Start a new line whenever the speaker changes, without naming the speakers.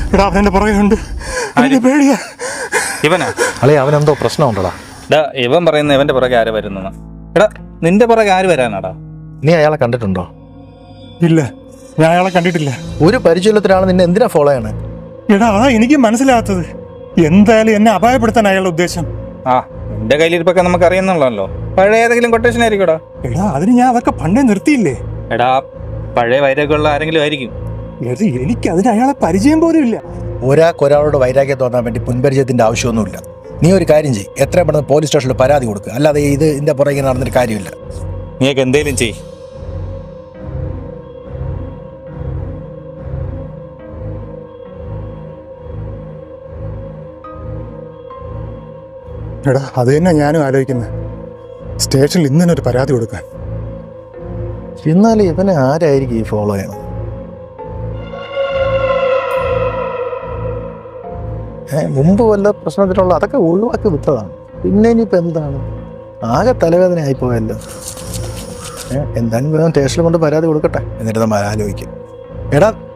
എടാ അവനെന്റെ പുറകെയുണ്ട്, എനിക്ക് പേടിയാ.
ഇവനാ
അളേ അവനെന്തോ പ്രശ്നമുണ്ടോടാ?
എടാ ഇവൻ പറയുന്ന ഇവന്റെ പുറകെ ആര് വരുന്നെന്ന്. എടാ നിന്റെ പുറകെ ആര് വരാനാടാ?
നീ അയാളെ കണ്ടിട്ടുണ്ടോ?
ഇല്ല, ഞാൻ അയാളെ കണ്ടിട്ടില്ല.
ഒരു പരിചയത്തിലാണ് നിന്നെ എന്തിനാ ഫോളോ ചെയ്യണേ?
എടാ അതാ എനിക്ക് മനസ്സിലാകാത്തത്. എന്തായാലും എന്നെ അപായപ്പെടുത്താൻ അയാളുടെ ഉദ്ദേശം.
ആ നിന്റെ കയ്യിലിരിപ്പൊക്കെ നമുക്ക് അറിയുന്നുള്ളല്ലോ. പഴയ ഏതെങ്കിലും കൊട്ടേഷൻ ആയിരിക്കൂടാ.
എടാ അതിന് ഞാൻ അതൊക്കെ പണ്ടേ നിർത്തിയില്ലേ.
എടാ പഴയ വൈരൊക്കെയുള്ള ആരെങ്കിലും ആയിരിക്കും.
എനിക്ക് അതിന് അയാളെ പരിചയം പോലും ഇല്ല.
ഒരാളോട് വൈരാഗ്യം തോന്നാൻ വേണ്ടി മുൻപരിചയത്തിന്റെ ആവശ്യമൊന്നുമില്ല. നീ ഒരു കാര്യം ചെയ്യ്, എത്രയും പെട്ടെന്ന് പോലീസ് സ്റ്റേഷനിൽ പരാതി കൊടുക്കുക. അല്ലാതെ ഇതിന്റെ പുറകെ നടന്നിട്ട് കാര്യമില്ല.
നീയൊക്കെ എന്തേലും ചെയ്.
എടാ അത് തന്നെ ഞാനും ആലോചിക്കുന്നത്, സ്റ്റേഷനിൽ ഇന്ന് തന്നെ ഒരു പരാതി കൊടുക്കാൻ.
എന്നാലും ഇവനെ ആരായിരിക്കും ഈ ഫോളോ ചെയ്യണം? മുമ്പ് വല്ല പ്രശ്നത്തിനുള്ള അതൊക്കെ ഒഴിവാക്കി വിട്ടതാണ്. പിന്നെ ഇനിയിപ്പോൾ എന്താണ്? ആകെ തലവേദന ആയിപ്പോയല്ലോ. എന്തായാലും സ്റ്റേഷനിൽ കൊണ്ട് പരാതി കൊടുക്കട്ടെ, എന്നിട്ട് നമ്മൾ ആലോചിക്കും. എടാ